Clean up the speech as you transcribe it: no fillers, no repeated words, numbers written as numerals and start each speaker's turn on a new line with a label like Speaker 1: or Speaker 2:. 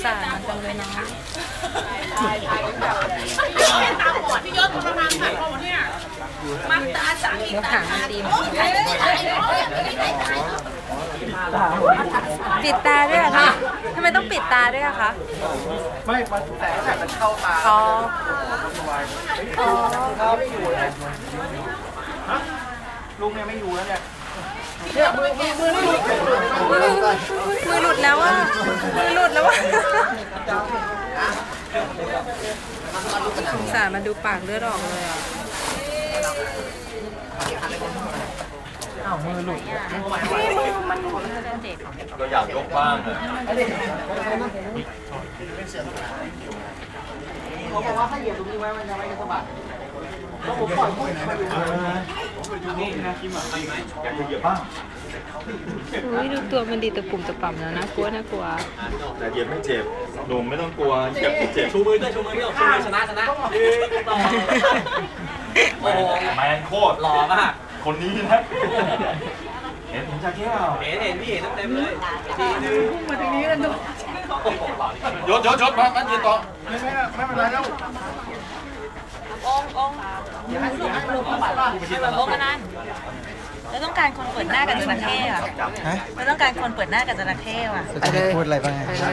Speaker 1: สารมันจังเลยเนาะ
Speaker 2: ตาบอดพี่ยศทรมานขายของเนี่ยมันตาสามี
Speaker 1: เดี๋ยวหางมันดีปิดตาด้วยอะคะทำไมต้องปิดตาด้วยอะคะ
Speaker 3: ไม่มันแสงแบบมันเข้าตา
Speaker 1: อ๋อ
Speaker 3: ถ้าไม่อยู่นะลุงเนี่ยไม่อยู่แล้วเนี่ย
Speaker 1: มือหลุดแล้วอะมือหลุดแล้วอะสงสารมันดูปากเลือดออกเลยอะ
Speaker 3: อ้าวมือหลุด
Speaker 1: มันเจ็บ
Speaker 4: ก็อยากยกบ้างอะ
Speaker 3: เขาบอกว่าถ้าเหยียบตรงนี้ไว้มันจะไม่สะบัดต้องผมปล่อยพุ่งมาอยู่นี่นะคิมอ่ะ
Speaker 4: อยากจะเหยียบบ้าง
Speaker 1: อุ้ยดูตัวมันดีตะปุ่มตะป่ำแล้วนะกลัวนะกลัว
Speaker 4: แต่เหยียบไม่เจ็บหนุ่มไม่ต้องกลัวเหยียบไม่เจ็บ
Speaker 5: ชูมือด้วยชูมือพี่ชูมือชนะต่อโอ้โห
Speaker 4: แมนโคตร
Speaker 5: หล่อมาก
Speaker 4: คนนี้นะเห็นผมจะแก้ว
Speaker 5: เห็นพี่เห็นเต็มเลยทีนึงมาทางนี้กันดู
Speaker 4: ยศมายืนต่อ
Speaker 3: ไม่เป็นไรแล้ว
Speaker 1: องกันนั้นเราต้องการคนเปิดหน้ากับจระเข้อะเราต้องการคนเปิดหน้ากับจระเข้อะ
Speaker 3: จะพูดอะไรบ้าง